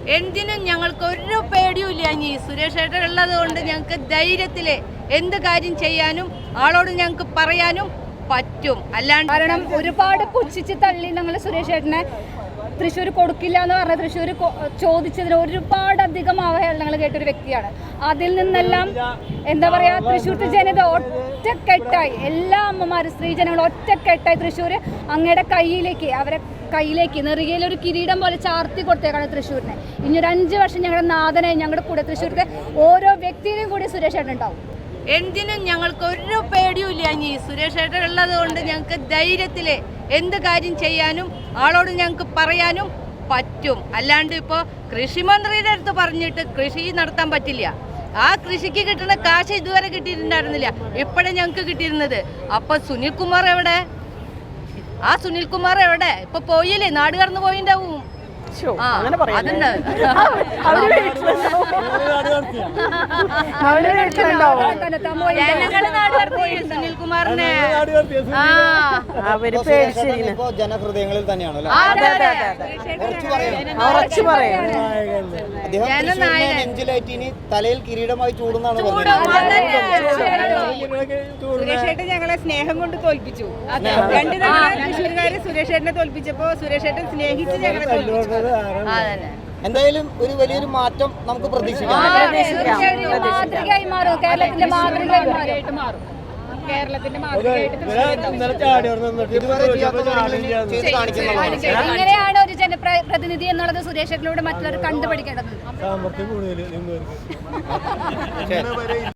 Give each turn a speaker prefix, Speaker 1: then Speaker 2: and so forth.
Speaker 1: എന്തിനും ഞങ്ങൾക്ക് ഒരു പേടിയുമില്ല. ഇനി സുരേഷ് ഏട്ടൻ ഉള്ളത് കൊണ്ട് ഞങ്ങൾക്ക് ധൈര്യത്തിൽ എന്ത് കാര്യം ചെയ്യാനും ആളോട് ഞങ്ങൾക്ക് പറയാനും പറ്റും. അല്ലാണ്ട്
Speaker 2: കാരണം ഒരുപാട് പുച്ഛിച്ച് തള്ളി ഞങ്ങൾ സുരേഷ് ഏട്ടനെ തൃശ്ശൂർ കൊടുക്കില്ല എന്ന് പറഞ്ഞ തൃശ്ശൂർ ചോദിച്ചതിന് ഒരുപാടധികം അവഹേളനങ്ങൾ കേട്ടൊരു വ്യക്തിയാണ്. അതിൽ നിന്നെല്ലാം എന്താ പറയുക, തൃശ്ശൂർത്തെ ജനത ഒറ്റക്കെട്ടായി, എല്ലാ അമ്മമാരും സ്ത്രീജനങ്ങളും ഒറ്റക്കെട്ടായി തൃശ്ശൂർ അങ്ങയുടെ കയ്യിലേക്ക്, അവരെ കയ്യിലേക്ക് നെറുകയിലൊരു കിരീടം പോലെ ചാർത്തി കൊടുത്തേക്കാണ് തൃശ്ശൂരിനെ. ഇനി ഒരു 5 വർഷം ഞങ്ങളുടെ നാഥനായി ഞങ്ങളുടെ കൂടെ തൃശ്ശൂരത്തെ ഓരോ വ്യക്തിയിലും കൂടി സുരേഷ് ഏട്ടൻ ഉണ്ടാവും.
Speaker 1: എന്തിനും ഞങ്ങൾക്ക് ഒരു പേടിയുമില്ല. ഇനി സുരേഷ് ഏട്ടൻ ഉള്ളത് കൊണ്ട് ഞങ്ങൾക്ക് ധൈര്യത്തിൽ എന്ത് കാര്യം ചെയ്യാനും ആളോട് ഞങ്ങൾക്ക് പറയാനും പറ്റും. അല്ലാണ്ട് ഇപ്പോൾ കൃഷിമന്ത്രിയുടെ അടുത്ത് പറഞ്ഞിട്ട് കൃഷി നടത്താൻ പറ്റില്ല. ആ കൃഷിക്ക് കിട്ടുന്ന കാശ് ഇതുവരെ കിട്ടിയിട്ടുണ്ടായിരുന്നില്ല, ഇപ്പോഴേ ഞങ്ങൾക്ക് കിട്ടിയിരുന്നത്. അപ്പൊ സുനിൽകുമാർ എവിടെ? ആ സുനിൽകുമാർ എവിടെ? ഇപ്പൊ പോയില്ലേ, നാട് കടന്നു പോയിണ്ടാവും. അതുണ്ട്. ജനങ്ങള് നാട് കടത്തി സുനിൽകുമാറിനെ.
Speaker 3: ജനഹൃദയങ്ങളിൽ തന്നെയാണല്ലോ. നെഞ്ചിലേറ്റിനി തലയിൽ കിരീടമായി ചൂടുന്നാണ്
Speaker 4: സുരേഷേട്ടൻ ഞങ്ങളെ സ്നേഹം കൊണ്ട് തോൽപ്പിച്ചു. 2 തവണ തൃശ്ശൂർക്കാര് സുരേഷേട്ടനെ തോൽപ്പിച്ചപ്പോ സുരേഷേട്ടൻ സ്നേഹിച്ച് ഞങ്ങളെ തോൽപ്പിച്ചു.
Speaker 3: എന്തായാലും ഒരു വലിയൊരു മാറ്റം നമുക്ക് പ്രതീക്ഷിക്കാം.
Speaker 2: മാതൃകയായി മാറും, കേരളത്തിന്റെ മാതൃകയായിട്ട് മാറും. ഇങ്ങനെയാണ് ഒരു ജനപ്രതിനിധി എന്നുള്ളത് സുരേഷ് ഏട്ടനിലൂടെ മറ്റുള്ളവർ കണ്ടുപഠിക്കേണ്ടത്.